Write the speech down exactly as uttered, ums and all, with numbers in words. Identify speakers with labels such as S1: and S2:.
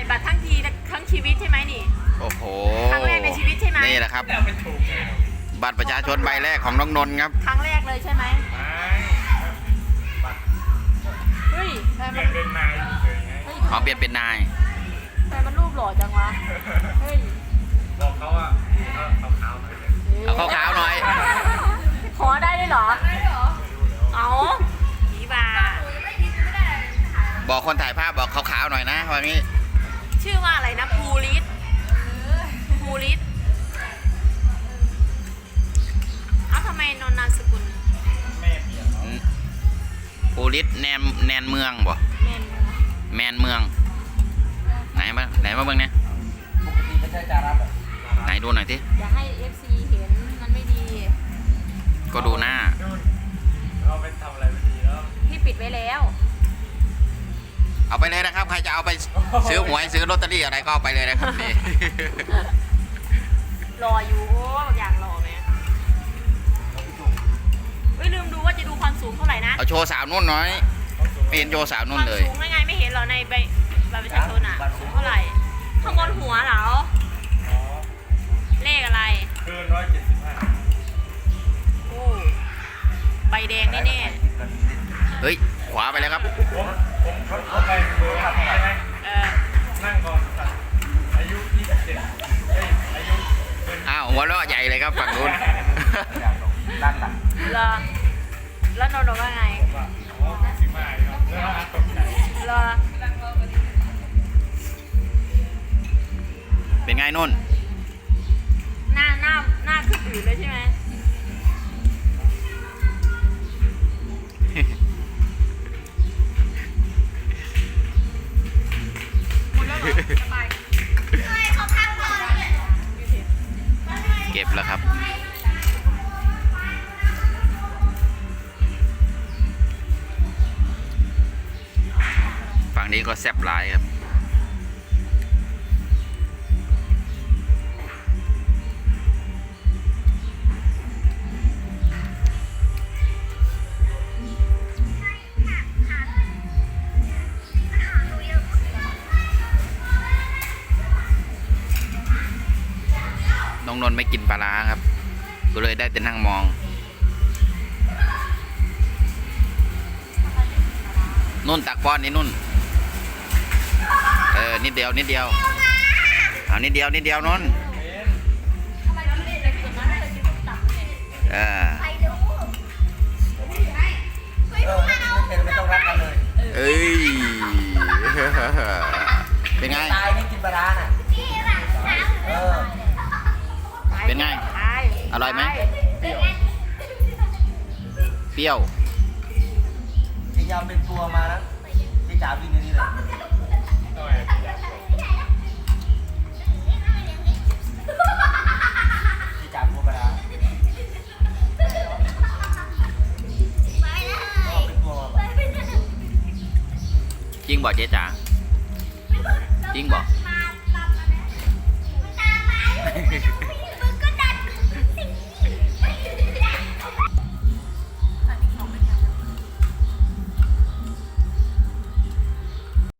S1: บัตรทั้งทีทั้งชีวิตใช่ไหมนี่
S2: โอ้โห
S1: ครั้งแรกในชีวิตใช่ไหม
S2: นี่แหละครับบัตรประชาชนใบแรกของน้องนนท์ครับ
S1: ครั้งแรกเลยใช่ไหมเฮ้ยเปลี่ยนเป็นนาย
S2: อ๋อเปลี่ยนเป็นนาย
S1: แต่มันรูปหล่อจังวะเฮ้ย
S3: บอกเขาว่า
S2: เอาขาวๆหน่อย
S1: ขอได้ด้วยเหรอเอาผีบา
S2: บอกคนถ่ายภาพบอกขาวๆหน่อยนะวันนี้
S1: ชื่อว่าอะไรนะภูริศภูริศเอ้าทำไมนนท์นามสกุล
S3: แม่เปลี่ยน
S2: ภูริศแนนแนนเมืองบ่
S1: แมน
S2: แมนเมืองไหนมาไหนมาเบิ่งเนี่ย
S3: ปกติไม่ใช่จารัส
S2: ไหนดูหน่อยที
S1: อย่าให้ เอฟ ซี เห็นมันไม่ดี
S2: ก็ดูหน้า
S3: เราไปทำอะไรไม่ดีแล้ว
S1: พี่ปิดไว้แล้ว
S2: เอาไปเลยนะครับใครจะเอาไปซื้อหวยซื้อลอตเตอรี่อะไรก็เอาไปเลยนะครับนี่
S1: รออยู่โอ้อย่างรอไหมเฮ้ยลืมดูว่าจะดูความสูงเท่าไหร่นะ
S2: เอาโชว์สาวนุ่นหน่อยไม่เห็นโชว์สาวนุ่นเลย
S1: ความสูงไงไม่เห็นหรอในใบบัตรประชาชนอ่ะสูงเท่าไหร่ข้างบนหัวเหรอเลขอะไร
S3: เกินร้อยเจ็ดสิบห้า
S1: โอ้ใบแดงแน่
S2: ๆเฮ้ยขวาไปแล้วครับ
S3: ผมผมผมไปเบอร์ขับใช่ไหม
S1: เออ
S3: นั่งก่อนอายุยี่สิบเจ็ดอายุ
S2: อ้าวหัวเราะใหญ่เลยครับฝั่งนู้น
S3: ด้านหลัง
S1: เหรอแล้วนนท์ว่าไงเหรอ
S2: เป็นไงนุ่น
S1: หน้าหน้าหน้าขึ้นอื่นเลยใช่ไหม
S2: เก็บแล้วครับฝั่งนี้ก็แซ่บหลายครับน้องนนท์ไม่กินปลาร้าครับก็เลยได้แต่นั่งมองนุ่นตักป้อนนี่นุ่นเออนิดเดียวนิดเดียวเอานิดเดียวนิดเดียวนนท์เออ
S3: ไม่ต้องรักกันเลย
S2: เอ้ยเป็นไง
S3: ตายนี่กินปลาร้าน่ะเออ
S2: เป็นไงอร่อยไหมเปรี้ยว
S3: จริงๆเป็นตัวมานะที่จ๋าบินนี่เลยที่จ๋าตัวปลาร้า
S2: จริงบอกเจ๊จ๋าจริงบอก